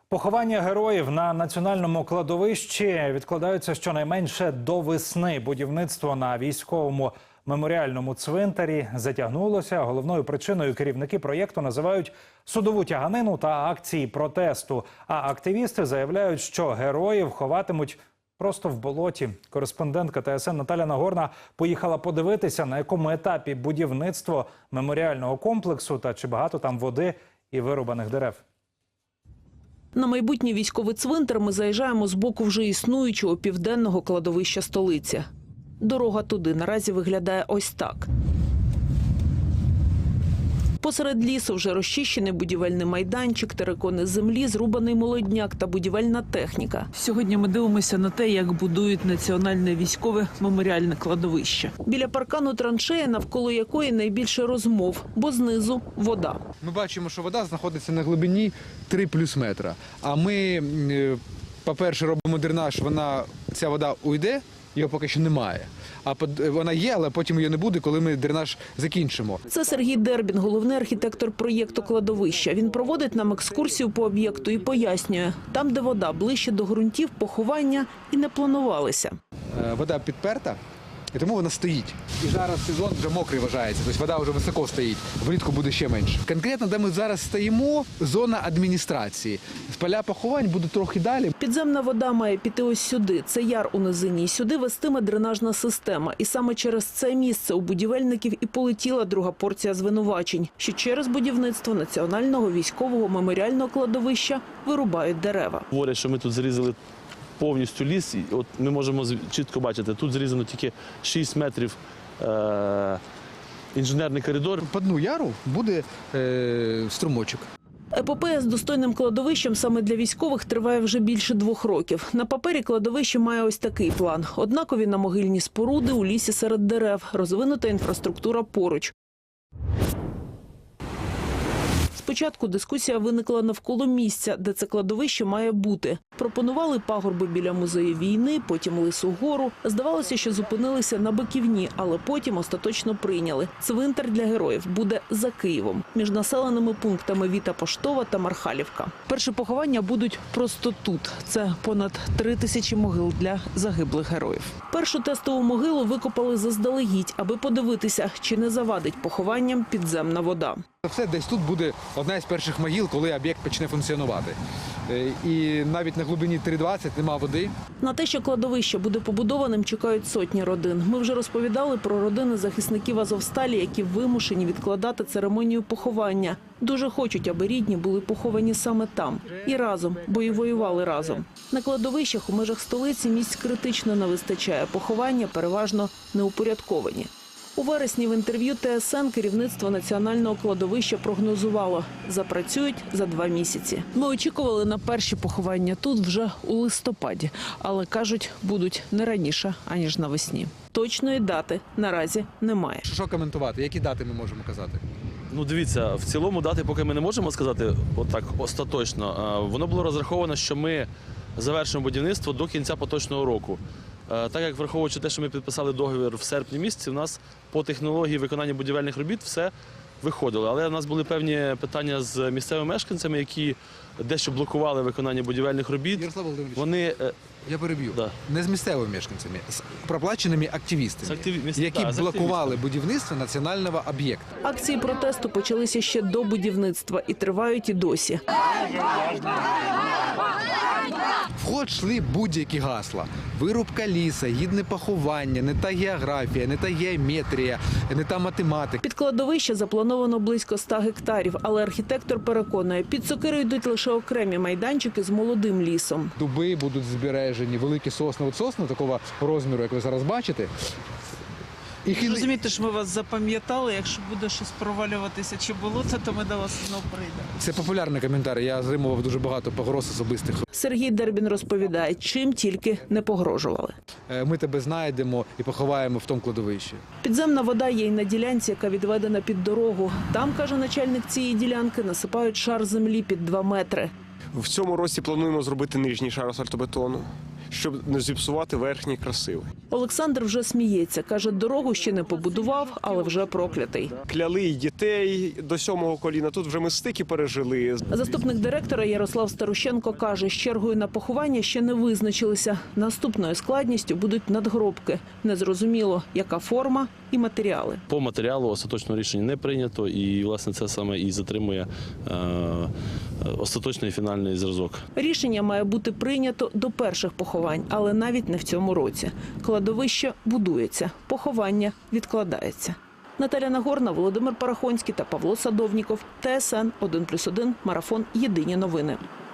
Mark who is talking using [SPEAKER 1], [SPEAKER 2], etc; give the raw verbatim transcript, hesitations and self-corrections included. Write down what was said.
[SPEAKER 1] Поховання героїв на національному кладовищі відкладаються щонайменше до весни. Будівництво на військовому меморіальному цвинтарі затягнулося. Головною причиною керівники проєкту називають судову тяганину та акції протесту. А активісти заявляють, що героїв ховатимуть просто в болоті. Кореспондентка Т С Н Наталя Нагорна поїхала подивитися, на якому етапі будівництво меморіального комплексу та чи багато там води і вирубаних дерев.
[SPEAKER 2] На майбутній військовий цвинтар ми заїжджаємо з боку вже існуючого південного кладовища столиці. Дорога туди наразі виглядає ось так. Посеред лісу вже розчищений будівельний майданчик, терикони землі, зрубаний молодняк та будівельна техніка. Сьогодні ми дивимося на те, як будують національне військове меморіальне кладовище. Біля паркану траншея, навколо якої найбільше розмов, бо знизу – вода.
[SPEAKER 3] Ми бачимо, що вода знаходиться на глибині три плюс метра. А ми, по-перше, робимо дренаж, вона, ця вода уйде, його поки що немає. А вона є, але потім її не буде, коли ми дренаж закінчимо.
[SPEAKER 2] Це Сергій Дербін, головний архітектор проєкту кладовища. Він проводить нам екскурсію по об'єкту і пояснює, там, де вода ближче до ґрунтів, поховання і не планувалися.
[SPEAKER 3] Вода підперта, і тому вона стоїть. І зараз сезон вже мокрий вважається, тобто вода вже високо стоїть, влітку буде ще менше. Конкретно, де ми зараз стоїмо, зона адміністрації. Поля поховань будуть трохи далі.
[SPEAKER 2] Підземна вода має піти ось сюди. Це яр у низині. І сюди вестиме дренажна система. І саме через це місце у будівельників і полетіла друга порція звинувачень, що через будівництво національного військового меморіального кладовища вирубають дерева.
[SPEAKER 4] Говорять, що ми тут зрізали повністю ліс, і от ми можемо чітко бачити, тут зрізано тільки шість метрів е- інженерний коридор.
[SPEAKER 3] По дну яру буде е- струмочок.
[SPEAKER 2] Епопея з достойним кладовищем саме для військових триває вже більше двох років. На папері кладовище має ось такий план. Однакові намогильні споруди у лісі серед дерев, розвинута інфраструктура поруч. Спочатку дискусія виникла навколо місця, де це кладовище має бути. Пропонували пагорби біля музею війни, потім Лису гору. Здавалося, що зупинилися на Биківні, але потім остаточно прийняли. Цвинтар для героїв буде за Києвом, між населеними пунктами Віта Поштова та Мархалівка. Перші поховання будуть просто тут. Це понад три тисячі могил для загиблих героїв. Першу тестову могилу викопали заздалегідь, аби подивитися, чи не завадить похованням підземна вода.
[SPEAKER 3] Все десь тут буде одна із перших могил, коли об'єкт почне функціонувати. І навіть на глибині три двадцять нема води.
[SPEAKER 2] На те, що кладовище буде побудованим, чекають сотні родин. Ми вже розповідали про родини захисників Азовсталі, які вимушені відкладати церемонію поховання. Дуже хочуть, аби рідні були поховані саме там. І разом, бо і воювали разом. На кладовищах у межах столиці місць критично не вистачає. Поховання переважно неупорядковані. У вересні в інтерв'ю Т С Н керівництво національного кладовища прогнозувало – запрацюють за два місяці. Ми очікували на перші поховання тут вже у листопаді, але, кажуть, будуть не раніше, аніж навесні. Точної дати наразі немає.
[SPEAKER 3] Що коментувати? Які дати ми можемо казати?
[SPEAKER 4] Ну, дивіться, в цілому дати поки ми не можемо сказати отак остаточно. Воно було розраховано, що ми завершимо будівництво до кінця поточного року. Так як, враховуючи те, що ми підписали договір в серпні місяці, у нас по технології виконання будівельних робіт все виходило. Але у нас були певні питання з місцевими мешканцями, які дещо блокували виконання будівельних робіт.
[SPEAKER 3] Ярослав Володимирович,
[SPEAKER 4] Вони...
[SPEAKER 3] я переб'ю.
[SPEAKER 4] Да.
[SPEAKER 3] Не з місцевими мешканцями, з проплаченими активістами,
[SPEAKER 4] активі...
[SPEAKER 3] які
[SPEAKER 4] да,
[SPEAKER 3] блокували будівництво національного об'єкту.
[SPEAKER 2] Акції протесту почалися ще до будівництва і тривають і досі.
[SPEAKER 3] В ход йшли будь-які гасла. Вирубка ліса, гідне поховання, не та географія, не та геометрія, не та математика.
[SPEAKER 2] Під кладовище заплановано близько ста гектарів, але архітектор переконує, під сокирою йдуть лише окремі майданчики з молодим лісом.
[SPEAKER 3] Дуби будуть збережені, великі сосни. От сосни такого розміру, як ви зараз бачите.
[SPEAKER 5] І розумієте, що ми вас запам'ятали, якщо буде щось провалюватися чи болото, то ми до вас знову прийдемо.
[SPEAKER 3] Це популярний коментар, я отримував дуже багато погроз особистих.
[SPEAKER 2] Сергій Дербін розповідає, чим тільки не погрожували.
[SPEAKER 3] Ми тебе знайдемо і поховаємо в тому кладовищі.
[SPEAKER 2] Підземна вода є й на ділянці, яка відведена під дорогу. Там, каже начальник цієї ділянки, насипають шар землі під два метри.
[SPEAKER 6] В цьому році плануємо зробити нижній шар асфальтобетону. щоб не зіпсувати верхній красивий.
[SPEAKER 2] Олександр вже сміється. Каже, дорогу ще не побудував, але вже проклятий.
[SPEAKER 6] Кляли й дітей до сьомого коліна, тут вже ми стики пережили.
[SPEAKER 2] Заступник директора Ярослав Старущенко каже, з чергою на поховання ще не визначилися. Наступною складністю будуть надгробки. Незрозуміло, яка форма і матеріали.
[SPEAKER 4] По матеріалу остаточного рішення не прийнято, і власне це саме і затримує е, остаточний фінальний зразок.
[SPEAKER 2] Рішення має бути прийнято до перших поховань, але навіть не в цьому році. Кладовище будується, поховання відкладається. Наталя Нагорна, Володимир Парахонський та Павло Садовніков. Т С Н один плюс один. Марафон. Єдині новини.